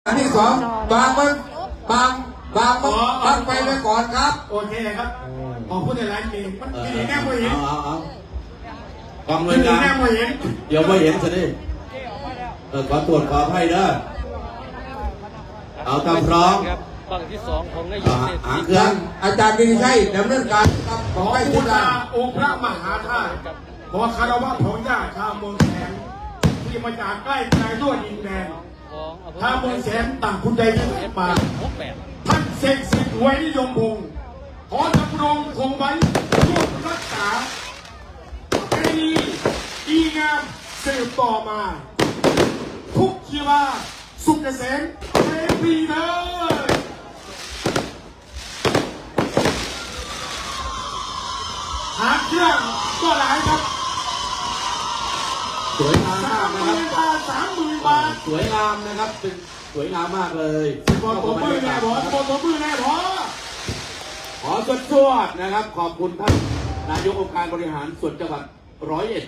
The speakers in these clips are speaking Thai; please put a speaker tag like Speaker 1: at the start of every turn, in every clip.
Speaker 1: อันที่สองบางมันบางไปไว้ก่อนครับ
Speaker 2: โอเคครับขอพูดในไลน์มีมันมีแน่ไม่เห็น
Speaker 3: ฟังเลยนะ
Speaker 2: แน่ไม่เห็น
Speaker 3: เดี๋ยวไม่เห็นสิขอตรวจขอให้เด้อเอาตามพร้อม
Speaker 4: ฝั่งที่สองของนายกเศรษฐี
Speaker 3: เครื่อง
Speaker 1: อาจารย์วินิชัยดำเนินการ
Speaker 2: ขอให้พุทธาองค์พระมหาธาตุขอคารวะของญาติชาวเมืองแสนที่มาจากใกล้ไกลด้วยดินแดนชาวเมืองแสนต่างคุณใดที่ไหนมาท่านเสกสิทธิ์ไว้นิยมพงศ์ขอดำรงคงไว้ร่วมรักษาประเพณีดีงามสืบต่อมาทุกชีวาสุขเกษมเทพีเลยหาเครื่องก็หลายครับ
Speaker 3: สวยงามมากนะครับ
Speaker 2: 30,000 บาท
Speaker 3: สวยงามนะครับเป็นสวยงามมากเลย
Speaker 2: บอลตัวมือแน่บอลตัวมือแน่บอล
Speaker 3: ขอสวดนะครับขอบคุณท่านนายกองค์การบริหารส่วนจังหวัด101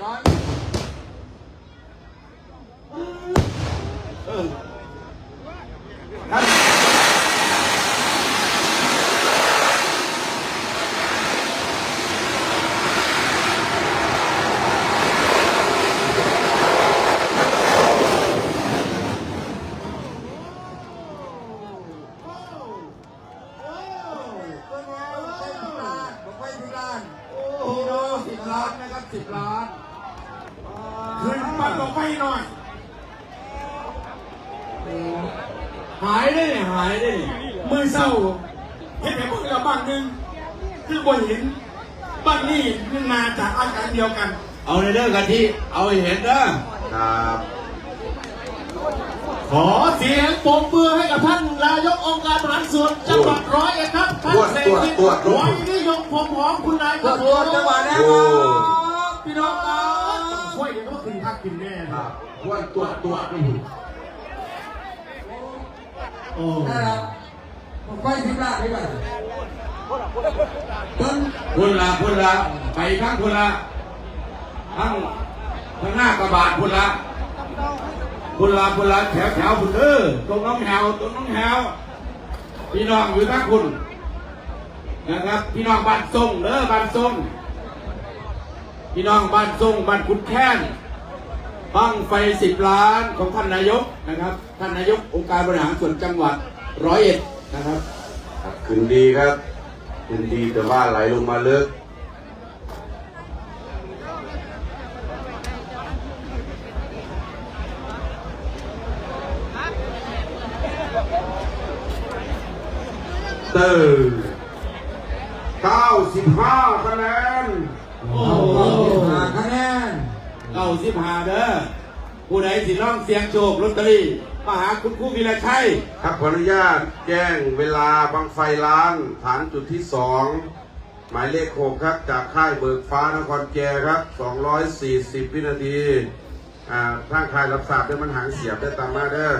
Speaker 3: ท่าน10 ล้านนะครับ10 ล้าน
Speaker 2: ขึ้นมาลงไปหน่อย
Speaker 3: หายได้
Speaker 2: มือเศร้าเห็นไหมพวกเราบ้านหนึ่งคือบนหินบ้านนี้มาจากอาการเดียวกัน
Speaker 3: เอาในเรื่องกันที่เอาให้เห็น
Speaker 2: นะครับขอเสียงปรบมือให้กับท่านนายกองค์การบริหารส่วนจังหวัด101ครับท่านเศรษฐีไว้นิยมพงศ์หอมคุณนายครับ
Speaker 1: ผมจังหวัดแล้วครับพี่น้องครับ
Speaker 2: ช่วยเดี๋ยวก็ขึ้นพักขึ้นแน่ครับ
Speaker 1: ตัวโอ้นะครับผมไปที่บ้านดีกว่า
Speaker 3: คุณละไปข้างคุณละข้างหน้ากระบะคุณละแถวคุณตรงน้องแถวพี่น้องอยู่ข้างคุณนะครับพี่น้องบ้านทรงบ้านทรงพี่น้องบ้านทรงบ้านขุนแค้นบั้งไฟ10 ล้านของท่านนายกนะครับท่านนายกองค์การบริหารส่วนจังหวัด101นะครับ
Speaker 5: ขึ้นดีครับขึ้นดีแต่ว่าไหลลงมาลึก95 คะแนน
Speaker 1: 95 คะแนน
Speaker 3: 95เด้อผู้ใดสิร้องเสียงโชคลอตเตอรี่มาหาคุณครูวีระชัย
Speaker 5: ครับขออนุญาตแจ้งเวลาบังไฟล้านฐานจุดที่2หมายเลข6ครับจากค่ายเบิกฟ้านครแก่ครับ240 วินาทีทางค่ายรับทราบด้วยมันหางเสียบได้ตามมาเด้อ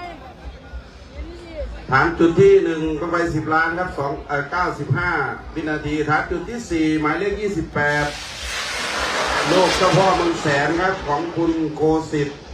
Speaker 5: ฐานจุดที่1ก็ไป10 ล้านครับ95 วินาทีฐานจุดที่4หมายเลข28โลกเจ้าพ่อเมืองแสนครับของคุณโกสิทธิ์